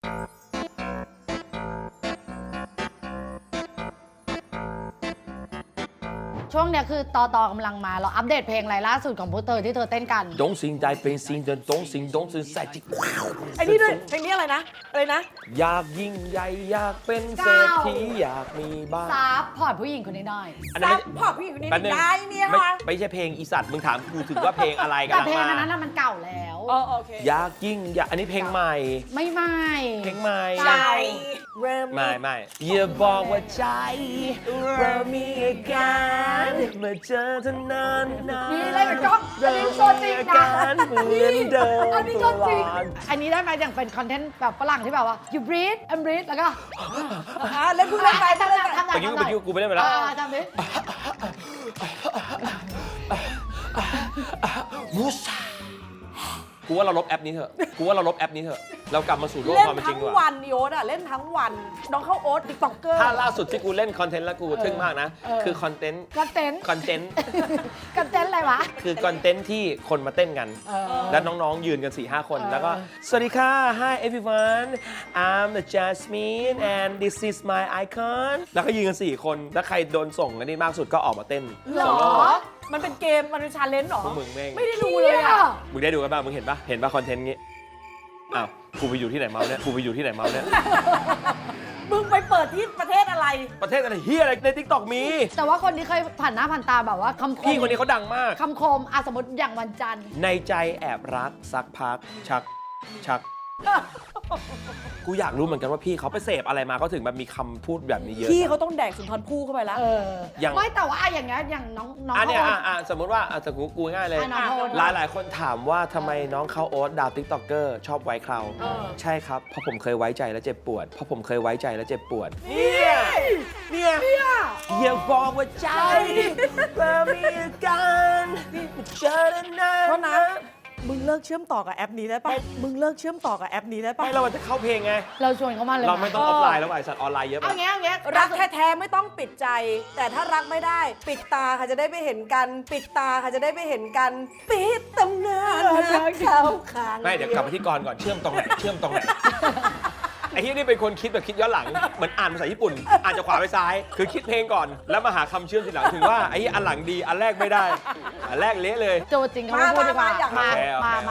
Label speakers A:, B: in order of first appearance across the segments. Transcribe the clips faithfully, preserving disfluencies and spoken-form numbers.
A: ช่วงเนี้ยคือตอตอกำลังมาเราอัปเดตเพลงอะไรล่าสุดของพวกเธอที่เธอเต้นกัน
B: ดงสิงได้เป็นสิงเดินดงสิงดงสิงใส่จิว้าว
C: ไอ้นี่ด้วยเพลงนี้อะไรนะอะไรนะ
B: อยากยิ่งใหญ่อยากเป็นเศรษฐีอยากมีบ้าน
A: ซับพอร์ตผู้หญิงคนนี้หน่อย
C: ซับพอร์ตผู้หญิงคนนี้ได้เนี่ย
B: ไม่
C: ค่ะ
B: ไม่ใช่เพลงอีสัตว์มึงถามกูถึงว่าเพลงอะไรกัน
A: แต่เพลงนั้นน่ะมันเก่าแล้ว
C: อ๋อโอเค
B: อยากยิ่งอยากอันนี้เพลงใหม่
A: ไม่ใหม่
B: เพลงใหม่
C: ใจเริ่ม
B: ไม่ไม่อย่าบอกว่าใจเรามีอาการเมื่อเจอเท่านั้นนะ
A: นี่เลยเป็นกล้องอันนี้ตัวจริงนะ
B: เหมือนเดิม
A: อันนี้ก็จริงอันนี้ได้ไหมอย่างเป็นคอนเทนต์แบบฝรั่งที่แบบว่า you breathe and breathe แล้วก็
C: อ่าเล่นพูดเล่นไป
A: ทำ
C: เล่น
A: ได้
C: ไป
A: ทำได้
B: ไปยุ่งไปยุ่งกูไม่ได้ไปแล้ว
A: ทำดิ
B: มูซากูว่าเราลบแอปนี้เถอะกูว่าเราลบแอปนี้เถอะเรากลับมาสู่โลก
C: เล่น
B: ความเป็นจริ
C: ทั้
B: ง
C: ง
B: ดีก
C: วั
B: ว่า
C: นโยนอ่ะเล่นทั้งวันน้องเข้าโอ๊ตติ๊กต็อกเกอร์
B: ถ้าล่าสุดที่กูเล่นคอนเทนต์แล้วกูทึ่งมากนะ คือคอนเทนต์
A: คอนเทนต์
B: คอนเทนต์
A: คอนเทนต์อะไรวะ
B: คือคอนเทนต์ที่คนมาเต้นกัน แล้วน้องๆยืนกัน สี่ห้า คน แล้วก็สวัสดีค่ะ Hi everyone I'm the Jasmine and this is my icon แล้วก็ยืนกัน สี่ คน แล้วใครโดนส่งอันนี้มากสุดก็ออกมาเต้น
A: หรอ
B: โซโล่
C: มันเป็นเกมมันเป็นชาเลนจ์หรอ
B: พวกมึงแม่ง
C: ไม่ได้ดูเลยอ่ะ
B: มึงได้ดูกันบ้างมึงเห็นปะเห็นปะคอนเทนต์งี้อ้าวกูไปอยู่ที่ไหนเมาเนี่ยกูไปอยู่ที่ไหนเมาเนี่ย
C: มึงไปเปิดที่ประเทศอะไร
B: ประเทศอะไรเฮียอะไรในทิกตอกมี
A: แต่ว่าคนที่เคยผ่านหน้าผ่านตาแบบว่าคำคม
B: พี่คนนี้เขาดังมาก
A: คำคมอ่ะสมมติอย่างวันจันทร์
B: ในใจแอบรักสักพักชักชัก กูอยากรู้เหมือนกันว่าพี่เขาไปเสพอะไรมาเขาถึงแบบมีคำพูดแบบนี้เยอะ
C: พี่เขาต้องแดกสุนทรภู่เข้าไปแล้ว
A: เออ
B: อย่าง
A: ไม่แต่ว่าอ่ะอย่างเงี้ยอย่างน้องน้อง
B: อันเนี้ย
A: โอ๊
B: อ่ะ
A: ต
B: อ่ะสมมติว่าอ่ะสมมติกูง่ายเลย
A: อ่ะน้องโอ๊ต
B: หลายหลายๆคนถามว่าทำไมน้องเขาโอ๊ตดาวติ๊กต็อกเกอร์ชอบไว้เครา
C: เออ
B: ใช่ครับเพราะผมเคยไว้ใจและเจ็บปวดเพราะผมเคยไว้ใจและเจ็บปวดเนี่ยเนี่ยอย่าบอกว่าใจเรามีกันเจอแล้วนะ
C: เพราะนะมึงเลิกเชื่อมต่อกับแอปนี้ได้ปะมึงเลิกเชื่อมต่อกับแอปนี้ได้ปะ
B: ไม่เราจะเข้าเพลงไง
A: เราชวนเขามาเลย
B: เราไม่ต้องออฟไลน์แล้วไอ้สัตว์ออนไลน์เยอะไป
A: เอาเงี้ยเอาเงี้ย
C: รักแท้ๆไม่ต้องปิดใจ แต่ถ้ารักไม่ได้ ปิดตาค่ะจะได้ไม่เห็นกัน ปิดตาค่ะจะได้ไม่เห็นกัน ปิดตำนานรักเขาค้าง
B: ไม่เดี๋ยวกลับมาที่กรก่อนเชื่อมตรงไหนเชื่อมตรงไหน ไอ้ที่นี่เป็นคนคิดแบบคิดย้อนหลังเหมือนอ่านภาษาญี่ปุ่นอ่านจากขวาไปซ้าย คือคิดเพลงก่อนแล้วมาหาคำเชื่อมทีหลังถึงว่าไอ้อันหลังดีอันแรกไม่ได้อันแรกเละเลย
A: โจจริงเขาไม่พูดดีกว่า
C: มามา
A: มา
B: โอเคโอเค
A: มา
B: โอเค
A: มา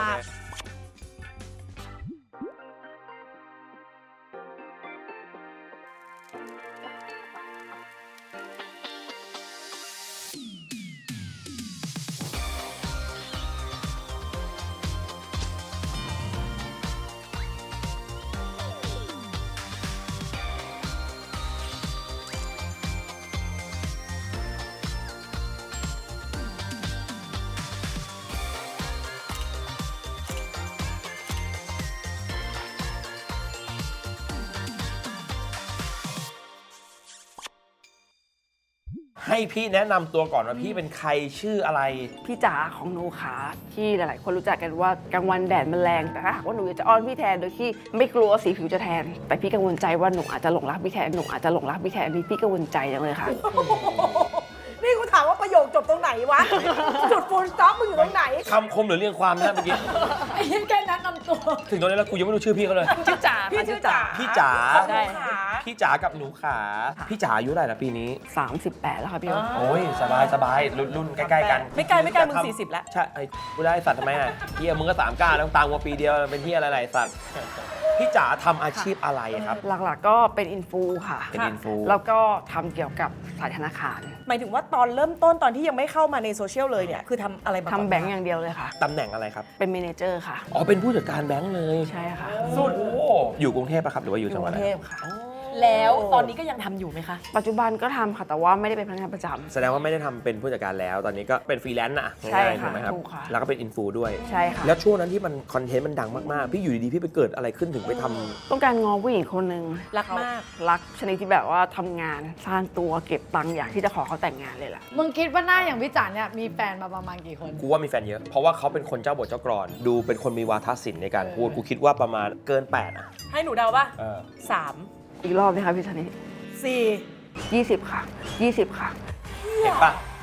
B: ให้พี่แนะนำตัวก่อนว่าพี่เป็นใครชื่ออะไร
D: พี่จ๋าของหนูขาที่หลายๆ คนรู้จักกันว่ากลางวันแดดมันแรงแต่ถ้าหากว่าหนูอยากจะอ้อนพี่แทนโดยที่ไม่กลัวสีผิวจะแทน แต่พี่กังวลใจว่าหนูอาจจะหลงรักพี่แทนหนูอาจจะหลงรักพี่แทนนี่พี่กังวลใจจังเลยค่ะ
C: นี่กูถามว่าประโยคจบตรงไหนวะ จุดฟูลสต็อปมึงอยู่ตรงไหน
B: คำคมหรือเรียงความนะเมื่อกี้
A: ไอ้ยี่แค่แนะนำตัว
B: ถึงตอนนี้แล้วกูยังไม่รู้ชื่อพี่เขาเลย
D: ชื่อจ๋า
C: พี่ชื่อจ๋า
B: พี่จ๋า
C: ใช่ค่ะ
B: พี่จ๋ากับหนูขา พี่จ๋าอายุเท่าไหร่ละปีนี้
D: สามสิบแปดแล้วค่ะพี่โอ๊ต
B: โอ้ยสบายสบายรุ่นรุ่นใกล้ๆกัน
C: ไม่ไกลไม่ไกลมึงสี่สิบแล้ว
B: ใช่ไอ้กูได้สัตว์ทำไมอ่ะเฮียมึงก็สามก้าแล้วตามกว่าปีเดียวเป็นเฮียอะไรๆสัตว์พี่จ๋าทำอาชีพอะไรครับ
D: หลักๆก็เป็นอินฟูค่ะ
B: เป็นอินฟู
D: แล้วก็ทำเกี่ยวกับสายธนาคาร
C: หมายถึงว่าตอนเริ่มต้นตอนที่ยังไม่เข้ามาในโซเชียลเลยเนี่ย คือทำอะไรมาก่อน
D: ทำแบงก์อย่างเดียวเลยค่ะ
B: ตำแหน่งอะไรครับ
D: เป็นเมเนเจอร์ค่ะ
B: อ๋อเป็นผู้จัดการแบงค์เลย
D: ใช่ค่ะ
B: สุดอยู่กรุงเทพปะครับหรือว่าอยู่
D: อ
B: จัง
D: ยู่
B: ห
D: ก
B: วัด
D: รุ
B: อะไร
D: งเทพค่ะ
C: แล้วตอนนี้ก็ยังทำอยู่ไหมคะ
D: ปัจจุบันก็ทำค่ะแต่ว่าไม่ได้เป็นพนักงานประจำ
B: แสดงว่าไม่ได้ทำเป็นผู้จัดการแล้ว ตอนนี้ก็เป็นฟรีแลนซ์นะ
D: ใช่
B: ง่ายๆ
D: ค่ะ
B: ถูกไหมครับ
D: ถูกค่ะ
B: แล้วก็เป็นอินฟูด้วย
D: ใช่ค่ะ
B: แล้วช่วงนั้นที่มันคอนเทนต์มันดังมากๆ พี่อยู่ดีๆ พี่ไปเกิดอะไรขึ้นถึงไปทำ
D: ต้องการงอผู้หญิงคนหนึ่ง
C: รักมาก
D: รักชนิดที่แบบว่าทำงานสร้างตัวเก็บตังค์อยากที่จะขอเขาแต่งงานเลยล่ะ
A: มึงคิดว่าหน้าอย่างพี่จ๋าเนี่ยมีแฟนมาประมาณกี่คน
B: กูว่ามีแฟนเยอะ เพราะว่าเขาเป็นคนเจ้าบทเจ้ากรอน ดูเป็นคนมีวาทศิลป์ในการพูด กูคิดว่าประมาณเกินแปดอ่ะ
C: ให้หนูเดาป่ะ
B: เออ
C: สาม
D: อีกรอบไหมคะพี่ชนิด
C: สี่
D: ยี่สิบค่ะยี่สิบค่ะ
B: เห็นปะ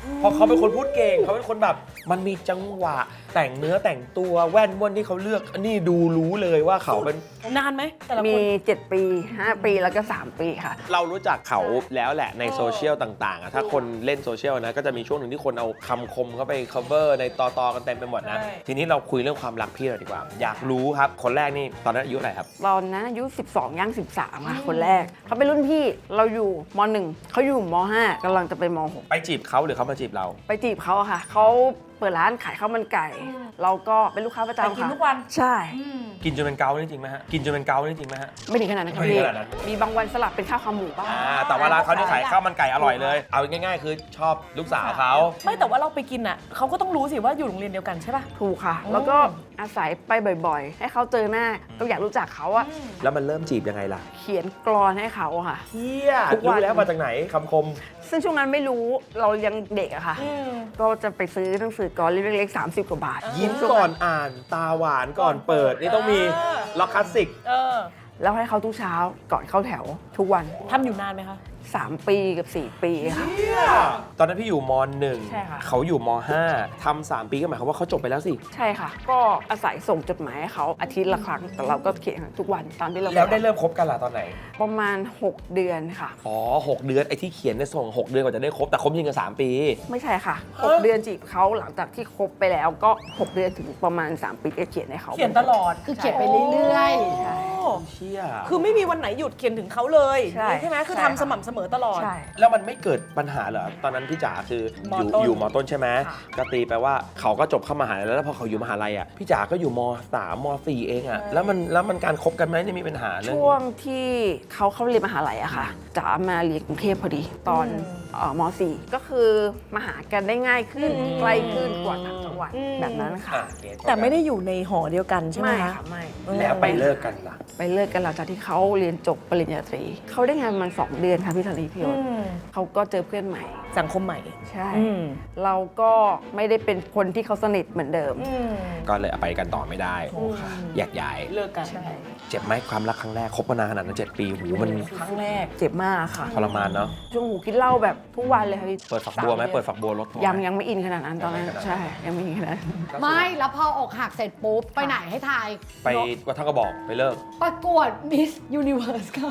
B: เพราะเขาเป็นคนพูดเก่งเขาเป็นคนแบบมันมีจังหวะแต่งเนื้อแต่งตัวแว่นว่นที่เขาเลือกอันนี้ดูรู้เลยว่าเขาเป็น
C: นานไหมแต่ละ
D: มี
C: คน
D: เจ็ด ปี ห้า ปีแล้วก็ สาม ปีค่ะ
B: เรารู้จักเขาแล้วแหละในโซเชียลต่างๆอะถ้าคนเล่นโซเชียลนะก็จะมีช่วงหนึ่งที่คนเอาคำคมเข้าไป cover ในต่อๆกันเต็มไปหมดนะ
C: ใช่
B: ทีนี้เราคุยเรื่องความรักพี่เลยดีกว่า อยากรู้ครับ คนแรกนี่ตอนนั้นอายุเท่าไหร่ครับ
D: ตอนนั้นอายุ สิบสอง ย่าง สิบสาม ค่ะ คนแรก เขาเป็นรุ่นพี่ เราอยู่ม หนึ่ง เขาอยู่ม ห้ากำลังจะไปม หก
B: ไปจีบเขาหรือเขามาจีบเรา
D: ไปจีบเขาอะค่ะ เขาเปิดร้านขายข้าวมันไก่ เราก็เป็นลูกค้าประ
C: ไป
D: จำ
C: กิน
D: ค่ะ
C: ทุกวัน
D: ใช่
B: กินจนเป็นเกานี่จริงไหมฮะกินจนเป็นเกานี่จริงไหมฮะ
D: ไม่ถึงขนาดนั้นค่ะ
B: ไม่ถึ
D: พี่
B: งขนาดนั้น
D: มีบางวันสลับเป็นข้าวขาหมูบ้าง
B: อ่าแต่ว่าร้านเขานี่ขายข้าวมันไก่อร่อยเลย เอาง่ายๆ คือชอบลูกสาวเขา
C: ไม่แต่ว่าเราไปกินอ่ะเขาก็ต้องรู้สิว่าอยู่โรงเรียนเดียวกันใช่ป่ะ
D: ถูกค่ะ แล้วก็อาศัยไปบ่อยๆ ให้เขาเจอหน้า ก็อยากรู้จักเขาอะ
B: แล้วมันเริ่มจีบยังไงล่ะ
D: เขียนกรอนให้เขาอะค่ะ
B: เฮีย
D: ทุกวัน
B: รู้แล้วมาจากไหนคำคม
D: ซึ่งช่วงนั้นไม่รู้เรายังเด็กอะค่ะ ก็จะไปซื้อหนังสือกรอนเล็กๆ สามสิบ กว่าบาท
B: ยิ้มก่อนอ่านตาหวานก่อนเปิด นี่ต้องมีล็อกคลาสสิก
C: เออ
D: แล้วให้เขาทุกเช้าก่อนเข้าแถวทุกวัน
C: ทำอยู่นานไหมคะ
D: สาม ปีกับ สี่ ปีค่ะ
B: ตอนนั้นพี่อยู่มหนึ่ง
D: ใช่ค่ะ
B: เขาอยู่มห้าทำสามปีก็หมายความว่าเขาจบไปแล้วสิ
D: ใช่ค่ะ ก็อาศัยส่งจดหมายให้เขาอาทิตย์ละครั้ง แต่เราก็เขียนทุกวันตอนที่เรา
B: แล้วได้เริ่มคบกันล่ะตอนไหน
D: ประมาณ หก เดือนค่ะ
B: อ๋อหกเดือนไอ้ที่เขียนเนี่ยส่งหกเดือนกว่าจะได้คบแต่คบยิงกันสามปี
D: ไม่ใช่ค่ะ หก เดือนจีบเขาหลังจากที่คบไปแล้วก็ หก เดือนถึงประมาณ สาม ปีก็เขียนให้เขา
C: เขียนตลอด
A: คือเขียนไปเรื่อย
D: ใช่
C: โอ้
B: เชี่ย
C: คือไม่มีวันไหนหยุดเขียนถึงเขาเลย
D: ใช่
C: ใช่ไหมคือ
D: ใช่
C: ทำสม่ำเสมอตลอด
D: ใช่
B: แล้วมันไม่เกิดปัญหาเหรอตอนนั้นพี่จ๋าคืออยู่
C: มต้น
B: อยู่มต้นใช่ไหม
C: ค่ะ
B: ก็ตีไปว่าเขาก็จบเข้ามหาลัยแล้วแล้วพอเขาอยู่มหาลัยอ่ะพี่จ๋าก็อยู่มสามมสี่เองอ่ะแล้วมันแล้วมันการคบกันไหมเนี่ยมีปัญหาเรื่อง
D: ช่วงที่เขาเข้าเรียนมหาลัยอะค่ะจ๋ามาเรียนกรุงเทพพอดี ตอนเอ่อม สี่ ก็คือมาหากันได้ง่ายขึ้นใกล้ขึ้นกว่าต่างจังหวัดแบบนั้นค่ะ
B: อ่ะเก็ต
C: แต่ไม่ได้อยู่ในหอเดียวกันใช่ไหม
D: ไม่
C: คะ
D: ค่ะไม่
B: แล้วไปเลิกกันล่ะ
D: ไปเลิกกันหลังจากที่เขาเรียนจบปริญญาตรีเขาได้งานประมันสองเดือนค่ะพี่ธนีพี่โอ๊ตเขาก็เจอเพื่อนใหม่
C: สังคมใหม่
D: ใช่
C: อืม
D: เราก็ไม่ได้เป็นคนที่เขาสนิทเหมือนเดิม
B: ก็เลยไปกันต่อไม่ได้แยกย้าย
C: เลิกกัน
B: เจ็บไหมความรักครั้งแรกคบมานานขนาดนั้นเจ็ดปีหูมัน
C: ครั้งแรก
D: เจ็บมากค่ะ
B: ทรมานเนาะ
D: ช่วงหูกินเหล้าแบบทุกวันเลยค่ะพี่
B: เปิดฝักบัวไหม
D: สาดือน
B: เปิดฝักบัวรถทัวร์
D: ยังยังไม่อินขนาดนั้นตอนนั้น
B: ยังไม่ขนาดนั้น
D: ใช่ยังไม่อินขนาดนั้น
A: ๆ ไม่ แล้วพออกหักเสร็จปุ๊บ ไปไหนให้ทาย
B: ไปวัดท่ากระบอกไปเลิก
A: ประกวด Miss Universe ค่ะ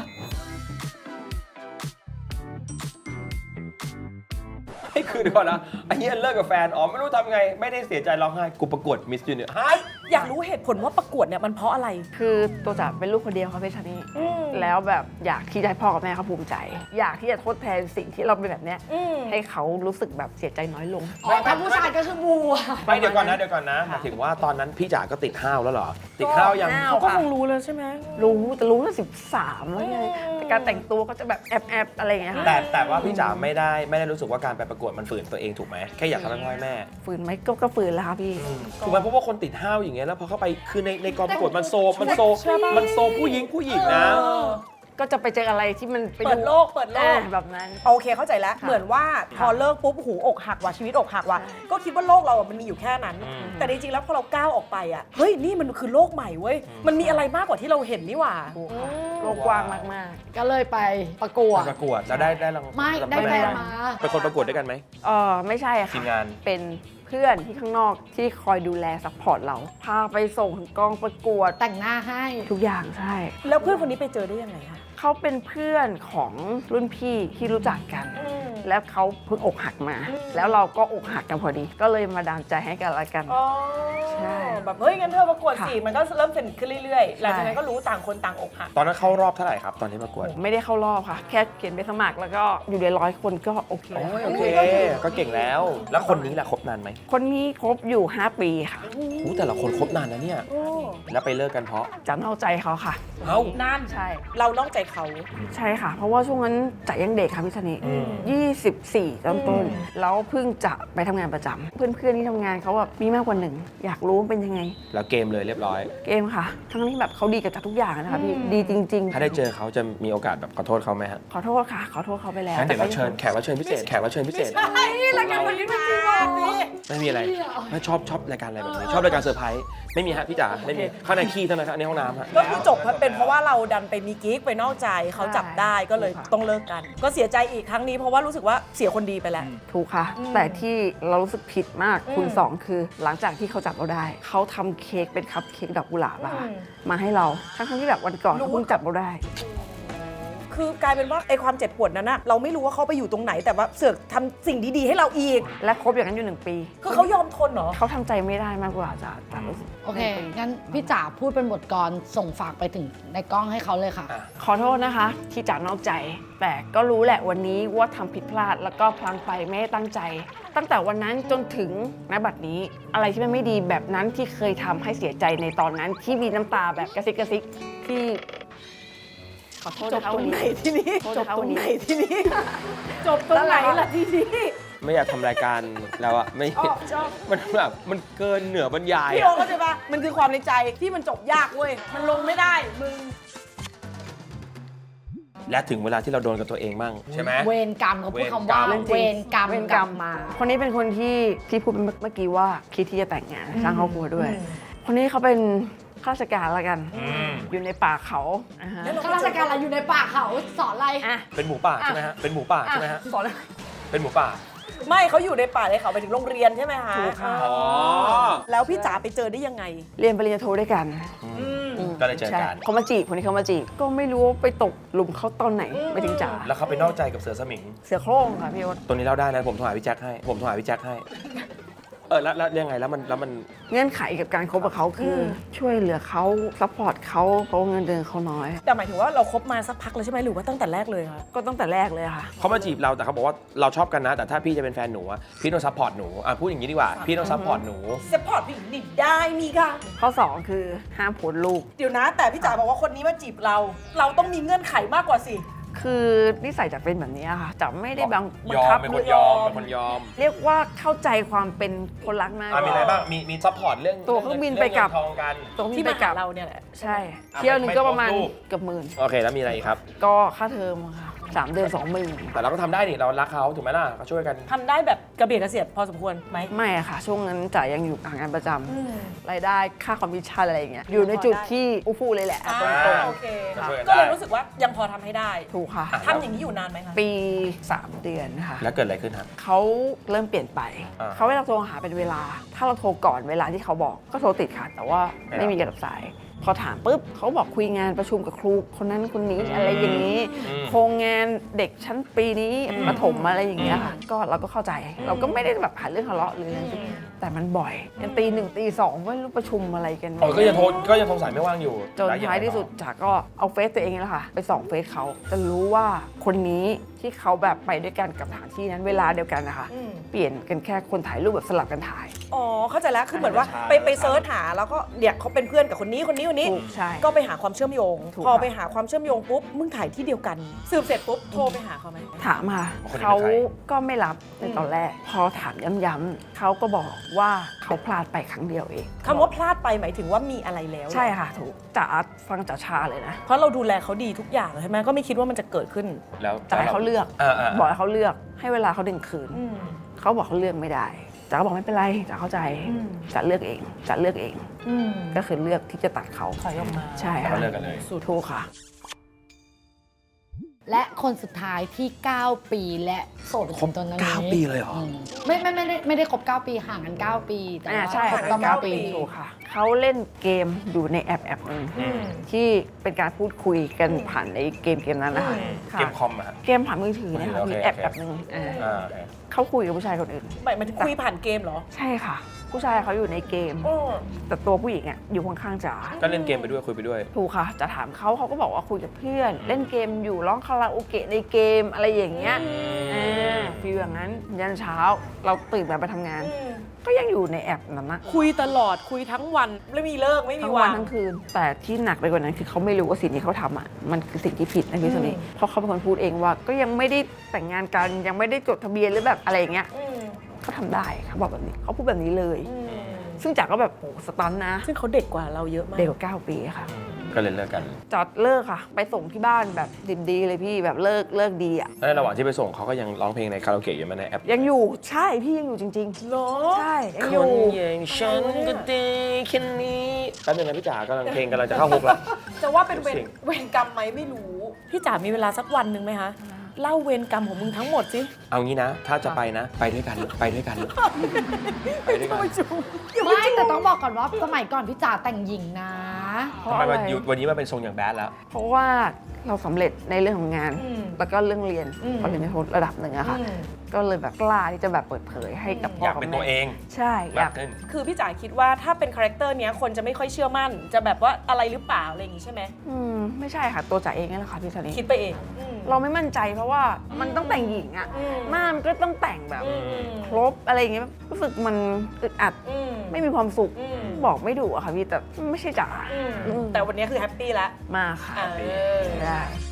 B: ให้คือเดี๋ยวก่อนนะไอ้เหี้ยเลิกกับแฟนอ๋อไม่รู้ทำไงไม่ได้เสียใจร้องไห้กูประกวดมิสยูเนียร์ฮะ
C: อยากรู้เหตุผลว่าประกวดเนี่ยมันเพราะอะไร
D: คือตัวจ๋าเป็นลูกคนเดียวค่ะพี่ชานี่แล้วแบบอยากที่จะให้พ่อกับแม่เขาภูมิใจ อยากที่จะทดแทนสิ่งที่เราเป็นแบบเนี้ย
C: อืม
D: ให้เขารู้สึกแบบเสียใจน้อยลง
A: อ๋อถ้าผู้ชายก็คือบัว
B: ไม่เดี๋ยวก่อนนะเดี๋ยวก่อนนะหมายถึงว่าตอนนั้นพี่จ๋าก็ติดห้าวแล้วเหรอ ติดห้าวยัง
D: ห้าว
C: เขาก็คงรู้เลยใช่ไหม
D: รู้แต่รู้ตั้งสิบสามแล้วไงแต่การแต่งตัวก็จะแบบแอบแอบๆอะไรอย่างเงี้ยค่ะ
B: แต่แต่ว่าพี่จ๋าไม่ได้ไม่ได้รู้สึกว่าการไปประกวดมันฝืนตัวเองถูกไหมแค่อยากทำให้พ่อให้แม่
D: ฝืนไหมก็ก็ฝืนแล้วค่ะพี่
B: ถูกไหมเพราะว่าคนติดห้าวอย่างเงี้ยแล้วพอเข้าไปคือในในกองประกวดมันโซมันโซมันโซผู้หญิงผู้หญิงนะ
D: ก็จะไปเจออะไรที่มันไป
C: เปิดโลกเปิดโลก
D: อ่าแบบนั้น
C: โอเคเข้าใจแล้ว เหมือนว่าพอเลิกปุ๊บหูอกหักว่ะชีวิตอกหักว่ะก็คิดว่าโลกเราอะมันมีอยู่แค่นั้น
B: อืม
C: แต่จริงๆแล้วพอเราก้าวออกไปอ่ะเฮ้ยนี่มันคือโลกใหม่เว้ยมันมีอะไรมากกว่าที่เราเห็นนี่หว่า
D: ถูกค่ะโลกกว้างมาก
A: ก็เลยไปประกวด
B: ไปประกวดแล้วได้ได้ราง
A: ไม่ได้แฟนมา
B: เป็นคนประกวดด้วยกันไหม
D: ๆเออไม่ใช่อะ
B: ที
D: ค่ะ
B: มงาน
D: เป็นเพื่อนที่ข้างนอกที่คอยดูแลซัพพอร์ตเรา พาไปส่งถึงกองประกวด
A: แต่งหน้าให้
D: ทุกอย่างใช่
C: แล้วเพื่อนคนนี้ไปเจอได้ยังไงคะ
D: เขาเป็นเพื่อนของรุ่นพี่ที่รู้จักกัน แล้วเขาเพิ่งอกหักมา แล้วเราก็อกหักกันพอดี ก็เลยมาดามใจให้กันละกัน
C: อ๋อ
D: ใช่
C: แบบเฮ้ยงั้นเธอประกวดสิ
D: ค่ะ
C: มันก็เริ่มสนิทขึ้นเรื่อยๆ หลังจากนั้น
D: ใช่
C: ก็รู้ต่างคนต่างอกหัก
B: ตอนนั้นเข้ารอบเท่าไหร่ครับ ตอนนี้ประกวด
D: ผมไม่ได้เข้ารอบค่ะ แค่เขียนไปสมัครแล้วก็อยู่ในร้อยคนก็โอเค
B: โอ้ยโอเค ก็เก่งแล้ว แล้วคนนี้แหละคบนานไหม
D: คนนี้คบอยู่ ห้า ปีค่ะ
B: อู้แต่ละคนคบนานนะเนี่ย แล้วไปเลิกกันเพราะ
D: จำเอาใจเขาค่ะ
B: เอ้า
C: นั่น
D: ใช่
C: เรานอกใจเขา
D: ใช่ค่ะ เพราะว่าช่วงนั้นจ๋ายังเด็กค่ะพี่ธนิ
B: อืม
D: ยี่สิบสี่ต้นต้นๆแล้วเพิ่งจะไปทำงานประจำเพื่อนๆที่ทำงานเขาแบบมีมากกว่าหนึ่ง อยากรู้ว่าเป็นยังไง
B: แล้วเกมเลยเรียบร้อย
D: เกมค่ะ ทั้งที่แบบเขาดีกับจ๋าทุกอย่างนะคะพี่ ดีจริง
B: ถ้าได้เจอเขาจะมีโอกาสแบบขอโทษเขาไหมฮะ
D: ๆ ขอโทษค่ะ ขอโทษเขาไปแล้ว
B: งั้นเดี๋ยว
D: ก็
B: เราเชิญแขกรับเชิญพิเศษแขกรับเชิญพิเศษ
C: รายการวันนี้มันจริงว่ะพี่
B: ไม่มีอะไรไม่ชอบชอบรายการอะไรแบบนี้ชอบรายการเซอร์ไพรส์ไม่มีฮะพี่จ๋าไม่มีข้างในขี้เท่านั้นครับในห้องน้ำฮะ
C: ก็คือจบเป็นเพราะว่าเราดันไปมีกิ๊กไปนอกใจเขาจับได้ก็เลยต้องเลิกกัน ก็เสียใจอีกครั้งนี้เพราะว่ารู้สึกกว่าเสียคนดีไปแล้ว
D: ถูกค่ะ แต่ที่เรารู้สึกผิดมากคูณสองคือหลังจากที่เขาจับเราได้ เขาทำเค้กเป็นคัพเค้กดอกกุหลาบอะค่ะมาให้เราทั้งๆที่แบบวันก่อนเขาเพิ่งจับเราได้
C: คือกลายเป็นว่าไอ้ความเจ็บปวดนั้นนะเราไม่รู้ว่าเขาไปอยู่ตรงไหนแต่ว่าเสือกทำสิ่งดีๆให้เราอีก
D: และครบอย่างนั้นอยู่หนึ่งปี
C: คือเขายอมทนเหรอ
D: เขาทำใจไม่ได้มากกว่าจะจะรู้สึก
A: โอเค งั้นพี่จ๋าพูดเป็นบทกลอนส่งฝากไปถึงในกล้องให้เขาเลยค่ะ
D: ขอโทษนะคะ ที่จากนอกใจ แต่ก็รู้แหละวันนี้ว่าทำผิดพลาดแล้วก็พลังไปไม่ได้ตั้งใจ ตั้งแต่วันนั้นจนถึงณบัดนี้ อะไรที่มันไม่ดีแบบนั้นที่เคยทำให้เสียใจในตอนนั้น ที่มีน้ำตาแบบกระซิกกระซิกที่ขอโทษ
C: จบ
D: นะคะ
C: ตร
D: วัน
C: งไหน
D: นี้
C: ทีนี้
D: โทษ
C: จ
D: นะ
C: บ
D: คะ
C: ตร
D: วัน
C: ง
D: นี้
C: ไหนทีนี้ จบตรงไหนล่ะทีนี้
B: ไม่อยากทำรายการแล้วอะไม่
C: ชอบชอบ
B: มันแบบมันเกินเหนือบรรยาย
C: พี่โอ
B: อะ
C: เข้าใจปะมันคือความในใจที่มันจบยากเว้ย มันลงไม่ได้ มึง
B: และถึงเวลาที่เราโดนกับตัวเองบ้างใช่ไหม
A: เวรกรรมเขาพูดคำว่า
B: เวรกรรม
A: เวรกรรม
D: เวร
A: ก
D: กร
A: ลั
D: ร
A: บ
D: ม
A: มา
D: คนนี้เป็นคนที่ที่พูดเมื่อกี้ว่าคิดที่จะแต่งงานสร้างครอบครัวด้วย คนนี้เขาเป็นข้าราชการละกัน อยู่ในป่าเขาอ่าฮะ
A: ข้าราชการอะไรอยู่ในป่าเขาสอนอะไร
D: อ่ะ
B: เป็นหมูป่าใช่ไหมฮะเป็นหมูป่าใช่ไหมฮะ
D: สอนอะไร
B: เป็นหมูป่า
C: ไม่เขาอยู่ในป่าในเขาไปถึงโรงเรียนใช่ไหมคะ
D: ถูกค่ะ
C: อ๋อแล้วพี่จ๋าไปเจอได้ยังไง
D: เรียนปริญญาโทด้วยกัน
B: ก็เลยเจอกัน
D: ใช่เขามาจีบคนนี้เขามาจีบก็ไม่รู้ว่าไปตกหลุมเขาตอนไหนไปถึงจ๋า
B: แล้วเขาไปนอกใจกับเสือสมิง
D: เสือโคร่งค่ะพี่โอ๊ต
B: ตัวนี้เล่าได้นะผมโทรหาพี่แจ็คให้ผมโทรหาพี่แจ็คให้เออแล้วแล้วยังไงแล้วมันแล้วมัน
D: เงื่อนไขกับการคบกับเขาคืออช่วยเหลือเขาซัพพอร์ตเขาเพราะว่าเงินเดือนเขาน้อย
C: แต่หมายถึงว่าเราคบมาสักพักเลยใช่ไหมหรือว่าตั้งแต่แรกเลยคะ
D: ก็ตั้งแต่แรกเลยค่ะ
B: เขามาจีบเราแต่เขาบอกว่าเราชอบกันนะ แต่ถ้าพี่จะเป็นแฟนหนูอะพี่ต้องซัพพอร์ตหนูอ่ะพูดอย่างนี้ดีกว่าพี่ต้องซัพพอร์ตหนู
C: สปอร์ตผู้หญิงดิบได้นี่ค่ะ
D: ข้อสองคือห้ามโพสต์ลูก
C: เดี๋ยวนะ แต่พี่จ๋าบอกว่าคนนี้มาจีบเรา เราต้องมีเงื่อนไขมากกว่าสิ
D: คือนิสัยจะเป็นแบบนี้ค่ะจะไม่ได้บังบั
B: ย
D: ง
B: อ
D: คั
B: ม
D: บ
B: เป็นคนยอมเป็นคนยอม
D: เรียกว่าเข้าใจความเป็นคนรักมาก
B: อ่ะมีอะไรบ้างมีมีซัพพอร์ตเรื่อง
D: ตัวเครื่องบินไปกลับ
B: เรื่องเงินทองกัน
D: ตรง
C: ที่
D: ที่
C: มา
D: ไปกลั
C: หา
D: บ
C: เราเนี่ยแหละ
D: ใช่
B: อ่ะ
D: เที่ยวหนึงก็ประมาณ
B: ไม่โพสต์รูป
D: เกือบหมื่น
B: โอเคแล้วมีอะไรอีกครับ
D: ก็ค่าเทอมค่ะสามเดือนสองหมื่น
B: แต่เราก็ทำได้นี่เรารักเขาถูกไหมล่ะก็ช่วยกัน
C: ทำได้แบบกระเบียดกระเสียดพอสมควรไหม
D: ไม่อะค่ะ ช่วงนั้นจ่ายยังอยู่งานประจำรายได้ค่าคอมมิชชั่นอะไรอย่างเงี้ยอยู่ในจุดที่อู้ฟู่เลยแหละ
C: อ่า
D: ตรง
C: โอเค
B: ก็ช่วยกัน
C: ก็เลย
B: ได้
C: รู้สึกว่ายังพอทำให้ได้
D: ๆถูกค่ะ
C: ทำอย่างนี้อยู่นานไหมคะ
D: ปีสามเดือนค่ะ
B: แล้วเกิดอะไรขึ้นครับ
D: เขาเริ่มเปลี่ยนไป
B: อ่า
D: เขาให้เราโทรหาเป็นเวลา ถ้าเราโทรก่อนเวลาที่เขาบอกก็โทรติดค่ะ แต่ว่า
B: ไม่รับ
D: ไม่มีการรับสาย พอถามปุ๊บเขาบอกคุยงานประชุมกับครูคนนั้นคนนี้อะไรอย่างนี้
B: อืม
D: โครงงานเด็กชั้นปีนี้
B: อืม
D: ประถมอะไรอย่างเงี้ยค่ะ ก็เราก็เข้าใจ เราก็ไม่ได้แบบหาเรื่องทะเลาะหรืออะไรแต่มันบ่อยยันตีหนึ่งตีสองไม่รู้ประชุมอะไรกัน
B: อ๋อก็ยังโทรก็ยังโทรสายไม่ว่างอยู่
D: จน
B: แล้วงไง
D: ท้ายที่สุด
B: ต่อ
D: จ๋าก็เอาเฟซตัวเองนี่แหละค่ะ ไปส่องเฟซเขาจะรู้ว่าคนนี้ที่เขาแบบไปด้วยกันกับสถานที่นั้นเวลาเดียวกันนะคะ
C: อืม
D: เปลี่ยนกันแค่คนถ่ายรูปแบบสลับกันถ่าย
C: อ๋อ เข้าใจแล้ว คือเหมือนว่า
B: ใช่
C: ไปไปเซิร์ชหาแล้วก็เนี่ยเขาเป็นเพื่อนกับคนนี้คนนี้คนนี้
D: ถูกใช่
C: ก็ไปหาความเชื่อมโยง
D: ถูก
C: พอ
D: ค่ะ
C: ไปหาความเชื่อมโยงปุ๊บ มึงถ่ายที่เดียวกัน สืบเสร็จปุ๊บ โทรไปหาเขาไหม
D: ถามค่ะ
B: คนนี้เป็น
D: เขา
B: ใคร
D: ก็ไม่รับในตอนแรก พอถามย้ำๆเขาก็บอกว่าเขาพลาดไปครั้งเดียวเอง
C: คำว่าพลาดไปหมายถึงว่ามีอะไรแล้ว
D: ใช่ค่ะถูกจ๋าฟังจ๋าชาเลยนะ
C: เพราะเราดูแลเขาดีทุกอย่างใช่ไหมก็ไม่คิดว่ามันจะเกิดขึ้น
B: แล้ว
D: จ๋าให้เขาเลือก
B: อ่าๆ
D: บอกให้เขาเลือกให้เวลาเขาดึงคืน
C: อืม
D: เขาบอกเขาเลือกไม่ได้จ๋าก็บอกไม่เป็นไรจ๋าเข้าใจ
C: อืม
D: จ๋าเลือกเองจ๋าเลือกเอง
C: อืม
D: ก็คือเลือกที่จะตัดเขา
C: ถอยออกมา
D: ใช่
B: แล้ว
D: ค่ะ
B: ก็เลิกกันเลย
D: ถูกค่ะ
A: และคนสุดท้ายที่ เก้า ปีและโสดจนตอนนี้
B: เก้าปีเลยเหรอ
A: มไม่ไม่ไม่ได้ไม่ได้ครบ เก้า ปีห่างกัน เก้า ปี แต่
D: อ่า
A: ว่า
D: ใช่
A: ครบ
D: ค่ะ
A: ประมาณ
D: เก้า
A: ปี
D: ปีถูกค่ะ เขาเล่นเกมอยู่ในแอปแอปหนึ่ง
C: อืม
D: ที่เป็นการพูดคุยกันผ่านในเกมเกมนั้นนะคะ
C: อืม
D: ค่ะ
B: เกมคอมอะฮะ
D: เกมผ่านมือถือเนะคะ
B: โอเค
D: มีแอป
B: โอเค
D: แอปหนึ่งอ่า
B: อ่าโอเค
D: เขาคุยกับผู้ชายคนอื่น
C: หมายมันถึงคุยผ่านเกมเหรอ
D: ใช่ค่ะ ผู้ชายเขาอยู่ในเกม
C: โอ้
D: แต่ตัวผู้หญิงอ่ะอยู่ข้างๆจ๋า
B: ก็เล่นเกมไปด้วยคุยไปด้วย
D: ถูกค่ะ จะถามเขาเขาก็บอกว่าคุยกับเพื่อน เล่นเกมอยู่ร้องคาราโอเกะในเกมอะไรอย่างเงี้ยอ่าฟีลอย่างนั้นยันเช้าเราตื่นมาไปทำงาน
C: อืม
D: ก็ยังอยู่ในแอปนั้นนะ
C: คุยตลอดคุยทั้งวันไม่มีเลิกไม่มี
D: ทั้งวั
C: วาน ง
D: ทั้งคืน แต่ที่หนักไปกว่านั้นคือเขาไม่รู้ว่าสิ่งที่เขาทำอ่ะมันคือสิ่งที่ผิดนะพี่โซนี่
C: อืม
D: เพราะเขาเป็นคนพูดเองว่า ก็ยังไม่ได้แต่งงานกันยังไม่ได้จดทะเบียนหรือแบบอะไรอย่างเงี้ย
C: อืม
D: เขาทำได้เขาบอกแบบนี้เขาพูดแบบนี้เลย
C: อืม
D: ซึ่งจ๋าก็แบบโอ้สตันนะ
C: ซึ่งเขาเด็กกว่าเราเยอะมาก
D: เด็กกว่าเก้าปีค่ะ
B: ก็เลยเลิกกัน
D: จอดเลิกค่ะ ไปส่งที่บ้านแบบดิบดีเลยพี่แบบเลิกเลิกดีอ่ะ
B: แล้วในระหว่างที่ไปส่งเขาก็ยังร้องเพลงในคาราโอเกะอยู่ไหมในแอป
D: ยังอยู่ใช่พี่ยังอยู่จริง
C: เหรอ
D: ๆ ใช่ยัง
B: ค
D: อยู่
B: นอย่างฉันก็ได้แค่นี้แป๊บนึงนะพี่จ๋ากำลังเพลงกำลังจะเข้าฮุกแล้ว
C: จะว่าเป็นเวร
B: เสียง
C: เวรกรรมไหมไม่รู้ พี่จ๋ามีเวลาสักวันหนึ่งไหมคะเล่าเวรกรรมของมึงทั้งหมดสิ
B: เอางี้นะ ถ้าจะไปนะ ไปด้วยกัน ไปด้วยกัน ไปด้วยกัน
A: ไม่แต่ต้องบอกก่อนว่าสมัยก่อนพี่จ๋าแต่งหญิงนะ
D: เพราะ
B: ทำไม
D: อะไร
B: วันยุวันนี้มาเป็นทรงอย่างแบดแล้ว
D: เพราะว่าเราสำเร็จในเรื่องของงาน
C: อืม
D: แล้วก็เรื่องเรียน
C: อืม
D: พอเรียนในระดับหนึ่งอะค่ะ
C: อืม
D: ก็เลยแบบกล้าที่จะแบบเปิดเผยให้กับพ่อ
B: อยาก
D: กับ
B: เป็น
D: แม่
B: ตัวเอง
D: ใช่อยาก
B: มากขึ้น
C: คือพี่จ๋าคิดว่าถ้าเป็นคาแรคเตอร์เนี้ยคนจะไม่ค่อยเชื่อมั่น จะแบบว่าอะไรหรือเปล่าอะไรอย่างงี้ใช่ไหม
D: อืมไม่ใช่ค่ะตัวจ๋าเองนี่แหละค่ะพี่ธันนี่
C: คิดไปเองอืม
D: เราไม่มั่นใจเพราะว่ามันต้องแต่งหญิงอะ
C: อืม
D: หน้ามันก็ต้องแต่งแบบ
C: อืม
D: ครบอะไรอย่างเงี้ยรู้สึกมันอึดอัด
C: อืม
D: ไม่มีความสุข
C: อืม
D: บอกไม่ถูกอะค่ะพี่แต่ไม่ใช่จ๋า
C: อืม
D: อืม
C: แต่วันนี้คือแฮปปี้แล้ว
D: มากค่ะ
C: เออ
D: ได้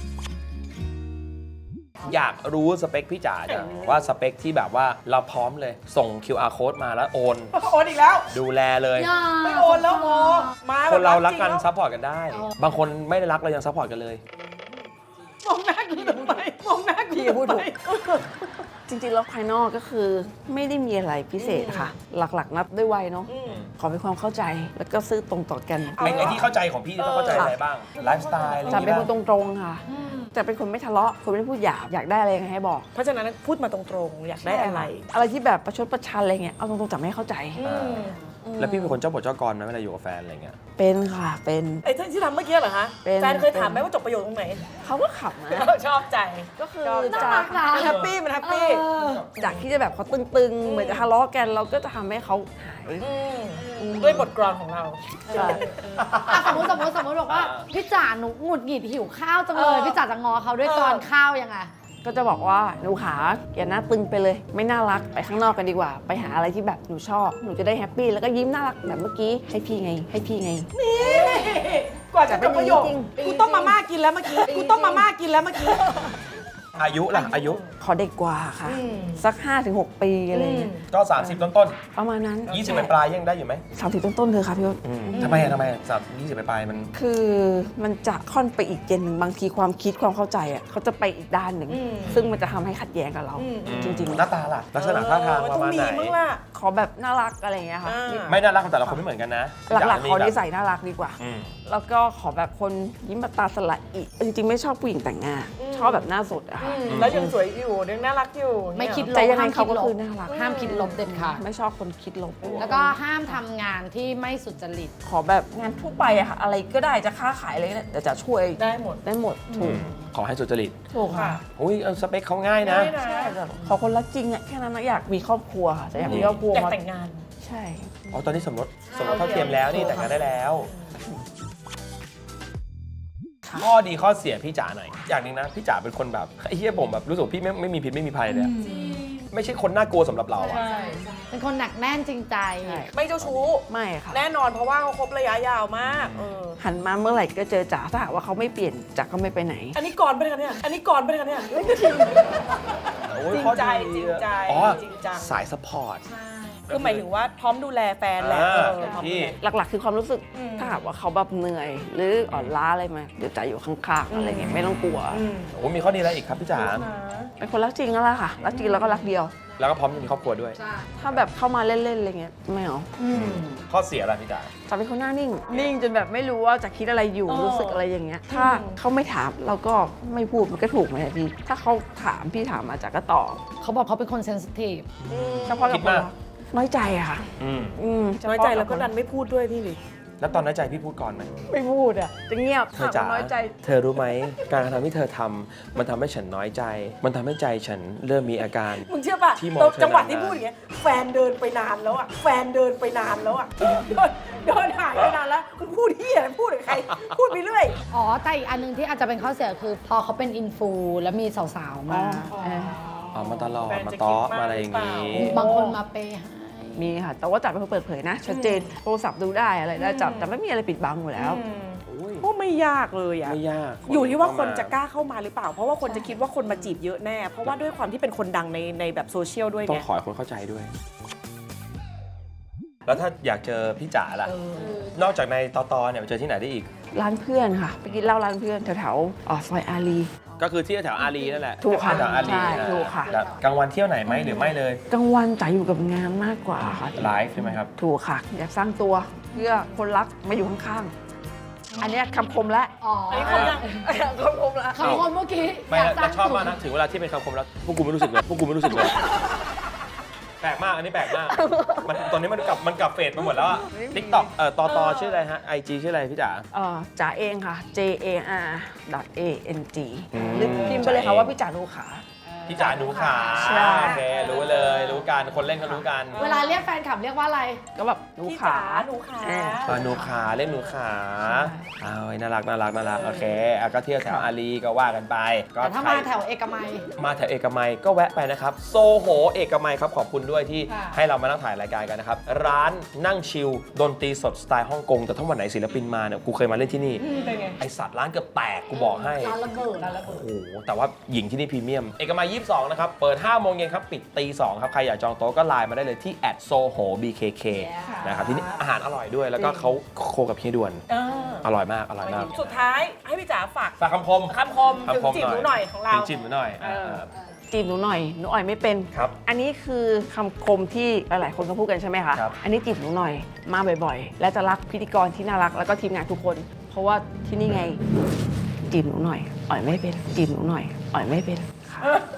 B: อยากรู้สเปคพี่จ๋าจังว่าสเปคที่แบบว่าเราพร้อมเลย ส่ง คิว อาร์ code มาแล้วโอน
C: โอนอีกแล้ว
B: ดูแลเลย
C: ไม่โอนแล้วโอมา
B: คนเรารักกัน
C: แบบ
B: ซัพพอร์ตกันได้ บางคนไม่ได้รักเรายังซัพพอร์ตกันเลย
C: มองหน้ากูทำไมมองหน้ากู
D: พี่พูดถูก จริงๆแล้วภายนอกก็คือไม่ได้มีอะไรพิเศษค่ะ หลักๆ นับด้วยวัยเนาะ
C: อืม
D: ขอเป็นความเข้าใจแล้วก็ซื่อตรงต่อกัน
C: เอา
B: ไอ้ไอ้ที่เข้าใจของพี่ต้องเข้าใจอะไรบ้าง ไลฟ์สไตล์อะไรอ
D: จะ
B: ย่าง
D: เป็น
B: งี้
D: คนต
B: บ้าง
D: รงๆค่ะ จะเป็นคนไม่ทะเลาะคนไม่พูดหยาบอยากได้อะไรยังไงให้บอก
C: เพราะฉะนั้นพูดมาตรงๆ อยากได้อะไร
D: อะไรที่แบบประชดประชันอะไรเงี้ยเอาตรงๆจะไม่เข้าใจ
C: อืม
B: แล้วพี่เป็นคนเจ้าบทเจ้ากรไหมเวลาอยู่กับแฟนอะไรเงี้ย
D: เป็นค่ะเป็น
C: ไอ้ที่ทำเมื่อกี้เหรอคะ
D: เป็น
C: แฟนเคยถามไหม
D: เป็น
C: ว่าจบประโยคตรงไหน
D: เขาก็ขับนะ
C: ชอบใจ
D: ก็คือ
C: ชอบใจ
D: จาก
A: น่ารักนะ
C: มันแฮปปี้มันแฮปปี้
D: จากที่จะแบบเขาตึงๆ เหมือนจะทะเลาะกัน เราก็จะทำให้เขาหาย
C: อืมด้วยบทกลอนของเรา
D: ใช่
A: อ่ะสมมติสมมติสมมติบอกว่าพี่จ๋าหนูหงุดหงิดหิวข้าวจังเลย
C: เออ
A: พี่จ๋าจะงอเขาด้วยกรอนข้าวยังไง
D: ก็จะบอกว่าหนูขาอย่าหน้าตึงไปเลย ไม่น่ารักไปข้างนอกกันดีกว่า ไปหาอะไรที่แบบหนูชอบ หนูจะได้แฮปปี้แล้วก็ยิ้มน่ารักแบบเมื่อกี้ให้พี่ไง ให้พี่ไง
C: กว่าจะจบประโยค
D: จริง
C: กูต้มมาม่ากินแล้วเมื่อกี้กูต้มมาม่ากินแล้วเมื่อกี้
B: อายุล่ะ อายุ
D: ขอเด็กกว่าค่ะ
C: อืม
D: สัก ห้าถึงหก ปีอะไรเงี้ย
B: ก็ สามสิบ ต้น
D: ประมาณนั้น
B: ๆยี่สิบปลายๆยังได้อยู่ไหม
D: สามสิบต้นๆเธอค่ะพี่ว่า
B: อืมทำไมอะทำไมอะสามยี่สิบปลายๆมัน
D: คือมันจะค่อนไปอีกเจนหนึ่งบางทีความคิดความเข้าใจอ่ะเขาจะไปอีกด้านหนึ่ง
C: อืม
D: ซึ่งมันจะทำให้ขัดแย้งกับเรา
C: อืม
D: จริง
B: หน้าตาล่ะ ลักษณะท่าทาง
C: เออ
B: ประมาณไหน
C: ต้องมีมั้งล่ะ
D: ๆ ขอแบบน่ารักอะไรอย่างเงี้ยค่ะ
C: อ่า
B: ไม่น่ารักของแต่ละคนไม่เหมือนกันนะ
D: หลักๆ
B: มี
D: ขอ
B: แบบ
D: นิสัยน่ารักดีกว่า
B: อืม
D: แล้วก็ขอแบบคนยิ้มแบบตาสละอิจริงๆ ไม่ชอบผู้หญิงแต่งหน้า ชอบแบบหน้าสดอะค่ะ
C: อืมแล้วยังสวยอยู่ยังน่ารักอยู่
A: ไม่คิดล
D: แต่
A: บ
D: ยังไง
A: ห้าม
D: เขา
A: คิด
D: ก็
A: ล
D: คื
A: บ
D: อน่ารัก
A: ห้ามคิดลบเด็ดขาด
D: ไม่ชอบคนคิดลบ
A: แล้วก็ห้ามทำงานที่ไม่สุจริต
D: ขอแบบงานทั่วไปอะค่ะ อะไรก็ได้จะค้าขายอะไรก็ได้แต่จะช่วย
C: ได้หมด
D: ได้หมดถูก
B: ขอให้สุจริต
D: ถูกค่ะ
B: อุ้ยเอาสเปคเขาง่ายนะ
C: ได้นะ
D: ใช่แต่ขอคนรักจริงอะแค่นั้นนะอยากมีครอบครัวค่ะจะอยากมีครอบครัว
C: อยาก
D: มา
C: แต่งงาน
D: ใช่
B: อ๋อ ตอนนี้สมรสสมรสเท่าเทียมแล้วนี่แต่งงานได้แล้วข้อดีข้อเสียพี่จ๋าหน่อย อย่างหนึงนะ พี่จ๋าเป็นคนแบบไอ้เหี้ยผมแบบรู้สึกพี่ไม่ไม่มีพิษไม่มีภัยเลยอะไม่ใช่คนน่ากลัวสำหรับเราอะ
A: เป็นคนหนักแน่นจริงใจ
D: ใช่
C: ไม่เจ้าชู้
D: ไม่ค่ะ
C: แน่นอนเพราะว่าเขาคบระยะยาวมากเออ
D: หันมาเมื่อไหร่ก็เจอจ๋าถ้าหากว่าเขาไม่เปลี่ยนจ๋าก็ไม่ไปไหน
C: อันนี้ก่อนไปเลยกันเนี่ย อันนี้ก่อนไปเลยกันเนี่ย
B: โอ้ย
C: จริง
B: ข้อ
C: ใจ
B: ดี
C: จริงใจ
B: อ๋อ
C: จริงจัง
B: สายสปอร์ต
C: คือหมายถึงว่าพร้อมดูแลแฟนแหละ
B: อ่า
C: เออพร้อมดู
B: พี่
C: แล
D: หลักๆ คือความรู้สึก
C: อืม
D: ถ้าหากว่าเขาแบบเหนื่อย หรืออ่อนล้าอะไรมาเดี๋ยวจ๋าอยู่ข้างๆอะไรเงี้ยไม่ต้องกลัว
C: อืม
B: โอ้มีข้อดีอะไรอีกครับพี่จ๋า
D: เป็นคนรักจริงก็แล้วค่ะ รักจริงแล้วก็รักเดียว
B: แล้วก็พร้อมจะมีครอบครัวด้วย
D: ถ้าแบบเข้ามาเล่นๆอะไรเงี้ยไม่เอา
B: ข้อเสียอะไรพี่จ๋า
D: จ๋าเป็นคนหน้านิ่ง นิ่งจนแบบไม่รู้ว่าจะคิดอะไรอยู่
C: เออ
D: รู้สึกอะไรอย่างเงี้ย ถ้าเขาไม่ถามเราก็ไม่พูดมันก็ถูกไหมพี่ ถ้าเขาถามพี่ถามมาจ๋าก็ตอบ
A: เขาบอกเขาเป็นคนเซนซิทีฟ
D: เฉพาะกับ
B: คิด
D: คน
B: มาก
D: รักน้อยใจอะค่ะ
B: อืม
D: อืม
C: น้อยใจแล้วก็ดันไม่พูดด้วยพี่หลิ
B: แล้วตอนน้อยใจพี่พูดก่อนไหม
D: ไม่พูดอะจะเงียบ
B: เธอจ๋า
D: น้อยใจ
B: เธอรู้ไหม การกระทำที่เธอทำมันทำให้ฉันน้อยใจ มันทำให้ใจฉันเริ่มมีอาการ
C: มึงเชื่อป่ะ
B: ที่มองเธอ
C: จังหวะ
B: นานๆ
C: ที่พูดอย่างเงี้ยแฟนเดินไปนานแล้วอ่ะแฟนเดินไปนานแล้วอ่ะเดินเดินหายไปนานแล้วมึงพูดที่อะไรพูดกับใคร พูดไปเรื่อย
A: อ๋อ แต่อีกอันหนึงที่อาจจะเป็นข้อเสียคือ พอเขาเป็นอินฟูแล้วมีสาวๆ มา
D: เออ
B: เอามาตลอด
C: แฟน
B: มา
C: จะ
B: ต้อ
C: คิดมาก
B: มาอะไรอย่างงี้
C: หรือเปล่
A: บางคนมาเปย์ให้
D: มีค่ะ แต่ว่าจ๋าเป็นคนเปิดเผยนะ ชัดเจน โทรศัพท์ดูได้อะไรได้จับแต่ไม่มีอะไรปิดบังอยู่แล้ว
B: อุ้ย
C: ก็ไม่ยากเลยอ่ะ
B: ไม่ยาก
C: อยู่ที่ว่าคน
B: เข้ม
C: จะกล้าเข้ามาหรือเปล่า เพราะว่าคนจะคิดว่าคนมาจีบเยอะแน่ เพราะว่าด้วยความที่เป็นคนดังในในแบบโซเชียลด้วย
B: ต้อ
C: ไง
B: งขอให้คนเข้าใจด้วย แล้วถ้าอยากเจอพี่จ๋าล่ะ นอกจากในตอตอเนี่ยไปเจอที่ไหนได้อีก
D: ร้านเพื่อนค่ะ ไปกินเหล้าร้านเพื่อนแถวๆอ๋อซอยอารี
B: ก็คือที่แถวอารีนั่นแหละ
D: ถูกค่ะ
B: แถวอารี
D: ใช่
B: อ่า
D: ถูกค่ะ
B: แล้วกลางวันเที่ยวไหนไหมหรือไม่เลย
D: กลางวันจ๋าอยู่กับงานมากกว่าค่ะ
B: ไลฟ์ใช่ไหมครับ
D: ถูกค่ะ อยากสร้างตัวเพื่อคนรักมาอยู่ข้างอันเนี้ยคำคมละ
A: อ๋อ
C: อันนี้คมยัง
D: คำคมละ
A: คำคมเมื่อกี้
B: ไม่
A: อยาก
B: แต่
A: สร้าง
B: ชอบมากนะถึงเวลาที่เป็นคำคมแล้วพวกกูไม่รู้สึกเลยพวกกูไม่รู้สึกเลยแปลกมากอันนี้แปลกมากมันตอนนี้มันกลับมันกลับเฟดมาหมดแล้วอะทิกตอกเอ่อตอตอชื่ออะไรฮะไอจีชื่ออะไรพี่จ๋า
D: เอ่อจ๋าเองค่ะ J A R A N G
B: อืม
D: หรือพิมพ์ไปเลยค่ะว่าพี่จ๋าดูขา
B: พี่จ๋าหนูขา
D: ใช่
B: โอเครู้เลยรู้กันคนเล่นก็รู้กัน
A: เวลาเรียกแฟนคลับเรียกว่าอะไร
D: ก็แบบดู
C: พี่
D: ขา
C: จ๋าหนูขา
D: อ่า
B: เออหนูขาเล่นหนูขาเอาไว้น่ารักน่ารักน่ารักโอเคอ่ะก็เที่ยวแถวอารีก็ว่ากันไปก็
A: แต่ถ้า
B: ใคร
A: มาแถวเอกมัย
B: มาแถวเอกมัยก็แวะไปนะครับโซโหเอกมัยครับขอบคุณด้วยที่
A: ค่ะ
B: ให้เรามานั่งถ่ายรายการกันนะครับร้านนั่งชิลดนตรีสดสไตล์ฮ่องกงแต่ถ้าวันไหนศิลปินมาเนี่ยกูเคยมาเล่นที่นี่
C: เป็นไง
B: ไอสัตว์ร้านเกือบแตกกูบอกให้
A: ร้านระเบิดร้านระเบิด
B: โอ้โหแต่ว่าหญิงที่นี่พรีเมียม เอกมัยยี่สิบสองนะครับ เปิดห้าโมงเย็นครับ ปิดตีสองครับ ใครอยากจองโต๊ะก็ไลน์มาได้เลยที่ แอท โซโห บี เค เค นะครับ ที่นี่อาหารอร่อยด้วย แล้วก็เขาโคกับเฮียด่วน
C: เออ
B: อร่อยมาก อร่อยมาก
C: สุดท้ายให้พี่จ๋าฝาก
B: ฝากคำคม
C: คำคมถึง
B: คำคม
C: จีบหนูหน่อยของเรา
B: ถึงจิบหนูหน่อยอ่า
C: เออ
D: จีบหนูหน่อย หนูอ่อยไม่เป็น
B: ครับ
D: อันนี้คือคำคมที่หลายๆคนก็พูดกันใช่ไหมคะ
B: ครับ
D: อันนี้จีบหนูหน่อย มาบ่อยๆ และจะรักพิธีกรที่น่ารักแล้วก็ทีมงานทุกคน เพราะว่าที่นี่ไง จีบหนูหน่อย อ่อยไม่เป็น จีบหนูหน่อย อ่อยไม่เป็นค่ะ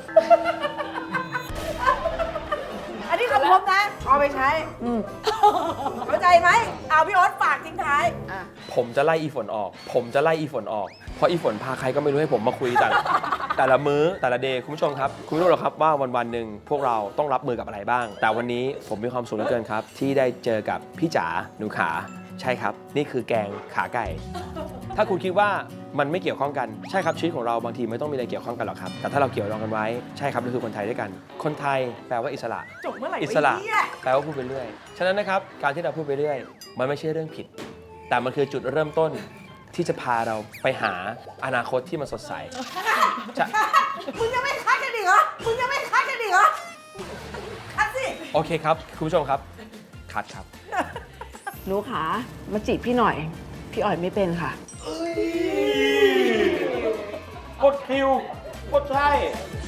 C: อันนี้คำคมนะเอาไปใช้เข้าใจไหมเอาพี่โอ๊ตฝากทิ้งท้าย
B: ผมจะไล่อีฝนออก ผมจะไล่อีฝนออก เพราะอีฝนพาใครก็ไม่รู้ให้ผมมาคุยแต่ละ แต่ละมื้อแต่ละเดย์คุณผู้ชมครับ คุณไม่รู้หรอกครับว่าวันวันๆหนึ่งพวกเราต้องรับมือกับอะไรบ้าง แต่วันนี้ผมมีความสุขเหลือเกินครับ ที่ได้เจอกับพี่จ๋าหนูขาใช่ครับ นี่คือแกงขาไก่ ถ้าคุณคิดว่ามันไม่เกี่ยวข้องกันใช่ครับชีวิตของเราบางทีไม่ต้องมีอะไรเกี่ยวข้องกันหรอกครับแต่ถ้าเราเกี่ยวรองกันไว้ใช่ครับเราคือคนไทยด้วยกัน คนไทยแปลว่าอิสระ
C: จบเมื่อไหร่
B: อิสระ
C: วะเนี่ย
B: แปลว่าพูดไปเรื่อย ฉะนั้นนะครับ การที่เราพูดไปเรื่อย มันไม่ใช่เรื่องผิด แต่มันคือจุดเริ่มต้นที่จะพาเราไปหาอนาคตที่มันสดใสจะ
C: มึงยังไม่คัดกันอีกเหรอ มึงยังไม่คัดกันอีกเหรอ คัดสิ
B: โอเคครับ คุณผู้ชมครับ คัดครับ
D: หนูขา มาจีบพี่หน่อย พี่อ่อยไม่เป็นค่ะ
B: กดคิว กดใช่